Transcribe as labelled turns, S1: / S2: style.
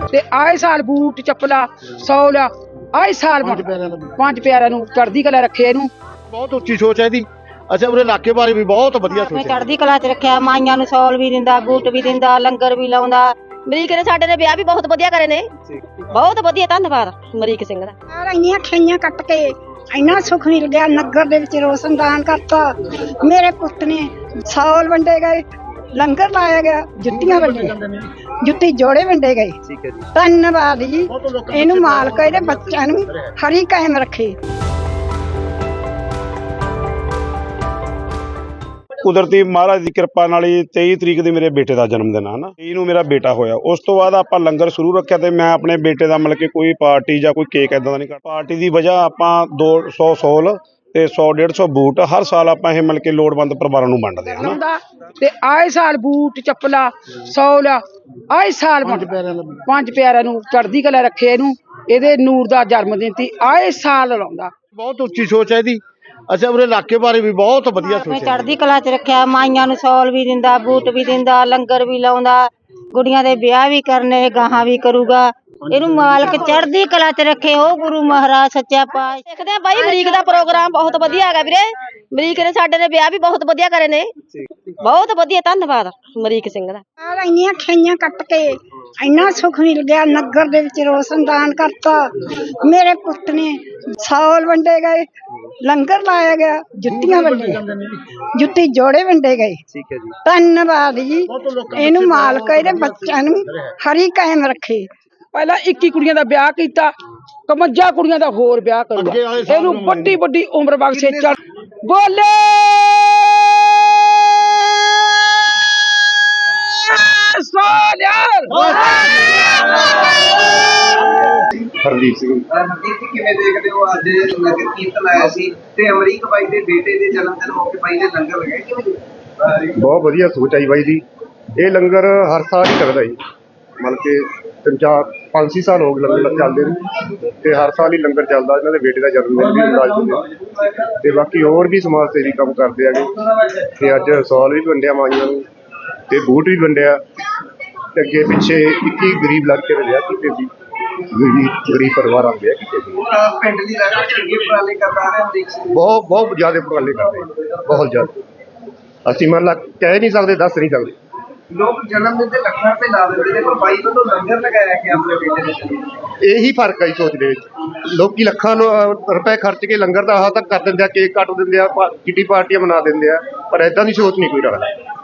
S1: ਤੇ ਆਏ ਸਾਲ ਬੂਟ ਚੱਪਲਾ 100 ਲਿਆ ਆਏ ਸਾਲ ਪੰਜ ਪਿਆਰਿਆਂ ਨੂੰ ਚੜ੍ਹਦੀ ਕਲਾ ਰੱਖੇ ਇਹਨੂੰ।
S2: ਬਹੁਤ ਉੱਚੀ ਸੋਚ ਹੈ ਇਹਦੀ। ਅੱਛਾ ਉਹਦੇ ਇਲਾਕੇ ਬਾਰੇ ਵੀ ਬਹੁਤ ਵਧੀਆ ਸੋਚ ਹੈ।
S3: ਚੜ੍ਹਦੀ ਕਲਾ ਚ ਰੱਖਿਆ, ਮਾਈਆਂ ਨੂੰ ਸੌਲ ਵੀ ਦਿੰਦਾ, ਬੂਟ ਵੀ ਦਿੰਦਾ, ਲੰਗਰ ਵੀ ਲਾਉਂਦਾ। ਅਮਰੀਕ ਨੇ ਸਾਡੇ ਨੇ ਵਿਆਹ ਵੀ ਬਹੁਤ ਵਧੀਆ ਕਰੇ ਨੇ, ਬਹੁਤ ਵਧੀਆ। ਧੰਨਵਾਦ ਅਮਰੀਕ ਸਿੰਘ ਦਾ।
S4: ਇੰਨੀਆਂ ਖਈਆਂ ਕੱਟ ਕੇ ਇੰਨਾ ਸੁੱਖ ਮਿਲ ਗਿਆ। ਨਗਰ ਦੇ ਵਿੱਚ ਰੋਸ਼ਨਦਾਨ ਕਰਤਾ। ਮੇਰੇ ਪੁੱਤ ਨੇ ਸੌਲ ਵੰਡੇ ਗਏ, ਲੰਗਰ ਲਾਇਆ ਗਿਆ, ਜੁੱਤੀਆਂ ਵੰਡੀਆਂ, ਜੁੱਤੀ ਜੋੜੇ ਵੰਡੇ ਗਏ। ਧੰਨਵਾਦ ਜੀ। ਇਹਨੂੰ ਮਾਲਕ ਇਹਦੇ ਬੱਚਿਆਂ ਨੂੰ ਹਰੀ ਕਾਇਮ ਰੱਖੇ।
S5: ਕੁਦਰਤੀ ਮਹਾਰਾਜ ਦੀ ਕਿਰਪਾ ਨਾਲ 23 ਤਰੀਕ ਦੀ ਮੇਰੇ ਬੇਟੇ ਦਾ ਜਨਮ ਦਿਨ ਆ ਨਾ, ਇਹਨੂੰ ਮੇਰਾ ਬੇਟਾ ਹੋਇਆ। ਉਸ ਤੋਂ ਬਾਅਦ ਆਪਾਂ ਲੰਗਰ ਸ਼ੁਰੂ ਰੱਖਿਆ ਤੇ ਮੈਂ ਆਪਣੇ ਬੇਟੇ ਦਾ ਮਤਲਬ ਕਿ ਕੋਈ ਪਾਰਟੀ ਜਾਂ ਕੋਈ ਕੇਕ ਇਦਾਂ ਦਾ ਨਹੀਂ ਕਰਦਾ। ਪਾਰਟੀ ਦੀ ਵਜ੍ਹਾ ਆਪਾਂ 200 ਸੌਲ ਤੇ 100-150 ਬੂਟ ਹਰ ਸਾਲ ਆਪਾਂ ਇਹ ਮਤਲਬ ਕਿ ਲੋੜਵੰਦ ਪਰਿਵਾਰਾਂ ਨੂੰ ਵੰਡਦੇ ਹਾਂ ਨਾ।
S1: ਤੇ ਆਏ ਸਾਲ ਬੂਟ ਚੱਪਲਾ 100 ਲਿਆ ਆਏ ਸਾਲ ਪੰਜ ਪਿਆਰਿਆਂ ਨੂੰ ਚੜ੍ਹਦੀ ਕਲਾ ਰੱਖੇ ਇਹਨੂੰ। ਇਹਦੇ ਨੂਰ ਦਾ ਜਨਮ ਦਿਨ ਸੀ, ਆਏ ਸਾਲ ਲਾਉਂਦਾ।
S2: ਬਹੁਤ ਉੱਚੀ ਸੋਚ ਹੈ ਇਹਦੀ। ਅੱਛਾ ਉਹਦੇ ਇਲਾਕੇ ਬਾਰੇ ਵੀ ਬਹੁਤ ਵਧੀਆ ਸੋਚ ਹੈ।
S3: ਚੜ੍ਹਦੀ ਕਲਾ ਚ ਰੱਖਿਆ, ਮਾਈਆਂ ਨੂੰ ਸੌਲ ਵੀ ਦਿੰਦਾ, ਬੂਟ ਵੀ ਦਿੰਦਾ, ਲੰਗਰ ਵੀ ਲਾਉਂਦਾ, ਗੁੜੀਆਂ ਦੇ ਵਿਆਹ ਵੀ ਕਰਨੇ, ਗਾਹਾਂ ਵੀ ਕਰੂਗਾ। ਇਹਨੂੰ ਮਾਲਕ ਚੜ੍ਹਦੀ ਕਲਾ ਚ ਰੱਖੇ। ਉਹ ਗੁਰੂ ਮਹਾਰਾਜ ਸੱਚਾ ਪਾਤਸ਼ਾਹ। ਦੇਖਦੇ ਆ ਬਾਈ ਅਮਰੀਕ ਦਾ ਪ੍ਰੋਗਰਾਮ ਬਹੁਤ ਵਧੀਆ ਹੈਗਾ ਵੀਰੇ। ਅਮਰੀਕ ਨੇ ਸਾਡੇ ਨੇ ਵਿਆਹ ਵੀ ਬਹੁਤ ਵਧੀਆ ਕਰੇ ਨੇ, ਬਹੁਤ ਵਧੀਆ। ਧੰਨਵਾਦ ਅਮਰੀਕ ਸਿੰਘ ਦਾ।
S4: ਇੰਨੀਆਂ ਖਈਆਂ ਕੱਟ ਕੇ ਇੰਨਾ ਸੁੱਖ ਮਿਲ ਗਿਆ। ਨਗਰ ਦੇ ਵਿੱਚ ਰੋਸ਼ਨਦਾਨ ਕਰਤਾ। ਮੇਰੇ ਪੁੱਤ ਨੇ ਸੌਲ ਵੰਡੇ ਗਏ, ਲੰਗਰ ਲਾਇਆ ਗਿਆ, ਜੁੱਤੀਆਂ ਵੰਡੀਆਂ, ਜੁੱਤੀ ਜੋੜੇ ਵੰਡੇ ਗਏ। ਧੰਨਵਾਦ ਜੀ। ਇਹਨੂੰ ਮਾਲਕ ਇਹਦੇ ਬੱਚਿਆਂ ਨੂੰ ਹਰੀ ਕਾਇਮ ਰੱਖੇ।
S1: ਪਹਿਲਾਂ 21 ਕੁੜੀਆਂ ਦਾ ਵਿਆਹ ਕੀਤਾ, 51 ਕੁੜੀਆਂ ਦਾ ਹੋਰ ਵਿਆਹ ਕਰੂਗਾ। ਇਹਨੂੰ ਵੱਡੀ ਵੱਡੀ ਉਮਰ ਬਖਸ਼ੇ। ਚੱਲ ਬੋਲੇ
S5: ਹਰਦੀਪ ਸਿੰਘ।
S6: ਹਰਦੀਪ ਜੀ ਕਿਵੇਂ ਦੇਖਦੇ ਹੋ ਅੱਜ ਨਗਰ ਕੀਰਤਨ ਆਇਆ ਸੀ ਤੇ ਅਮਰੀਕ ਬਾਈ ਦੇ ਬੇਟੇ ਦੇ ਜਨਮ ਦਿਨ ਮੌਕੇ ਬਾਈ ਨੇ ਲੰਗਰ ਲਗਾਇਆ, ਕਿਵੇਂ?
S5: ਬਹੁਤ ਵਧੀਆ ਸੋਚ ਆਈ ਬਾਈ ਦੀ। ਇਹ ਲੰਗਰ ਹਰ ਸਾਲ ਹੀ ਲੱਗਦਾ ਜੀ, ਮਤਲਬ ਕਿ 5-6 ਸਾਲ ਹੋ ਗਏ ਲੰਗਰ ਚੱਲਦੇ ਨੇ ਤੇ ਹਰ ਸਾਲ ਹੀ ਲੰਗਰ ਚੱਲਦਾ। ਇਹਨਾਂ ਦੇ ਬੇਟੇ ਦਾ ਜਨਮ ਦਿਨ ਵੀ ਮਨਾਉਂਦੇ ਤੇ ਬਾਕੀ ਹੋਰ ਵੀ ਸਮਾਜ ਸੇਵੀ ਕੰਮ ਕਰਦੇ ਹੈਗੇ। ਤੇ ਅੱਜ ਸੌਲ ਵੀ ਵੰਡਿਆ ਮਾਈਆਂ ਨੂੰ ਤੇ ਬੂਟ ਵੀ ਵੰਡਿਆ ਤੇ ਅੱਗੇ ਪਿੱਛੇ 21 ਗਰੀਬ ਲੜਕੇ ਦੇ ਵਿਆਹ ਕੀਤੇ ਸੀ, ਗਰੀਬ ਪਰਿਵਾਰਾਂ ਦੇ ਵਿਆਹ ਕੀਤੇ ਸੀ।
S6: ਪਿੰਡ ਦੀ ਲਗਾਤਾਰ ਚੰਗੇ ਉਪਰਾਲੇ ਕਰਦਾ ਹੈ ਅਮਰੀਕ ਸਿੰਘ।
S5: ਬਹੁਤ ਜ਼ਿਆਦਾ ਉਪਰਾਲੇ ਕਰਦੇ, ਬਹੁਤ ਜ਼ਿਆਦਾ। ਅਸੀਂ ਮੰਨ ਲਾ ਕਹਿ ਨਹੀਂ ਸਕਦੇ, ਦੱਸ ਨਹੀਂ ਸਕਦੇ।
S6: ਲੋਕ ਜਨਮ ਦਿਨ ਤੇ ਲੱਖਾਂ ਰੁਪਏ ਲਾ ਦਿੰਦੇ ਨੇ, ਪਰ ਬਾਈ ਵੱਲੋਂ ਲੰਗਰ ਲਗਾਇਆ ਕਿ ਆਪਣੇ ਬੇਟੇ ਦੇ ਜਨਮ ਦਿਨ।
S5: ਇਹੀ ਫਰਕ ਹੈ ਸੋਚ ਦੇ ਵਿੱਚ। ਲੋਕੀ ਲੱਖਾਂ ਰੁਪਏ ਖਰਚ ਕੇ ਲੰਗਰ ਦਾ ਆਹ ਤੱਕ ਕਰ ਦਿੰਦੇ ਆ, ਕੇਕ ਕੱਟ ਦਿੰਦੇ ਆ, ਕਿੱਟੀ ਪਾਰਟੀਆਂ ਮਨਾ ਦਿੰਦੇ ਆ, ਪਰ ਏਦਾਂ ਦੀ ਸੋਚ ਨਹੀਂ ਕੋਈ ਰੱਖਦਾ।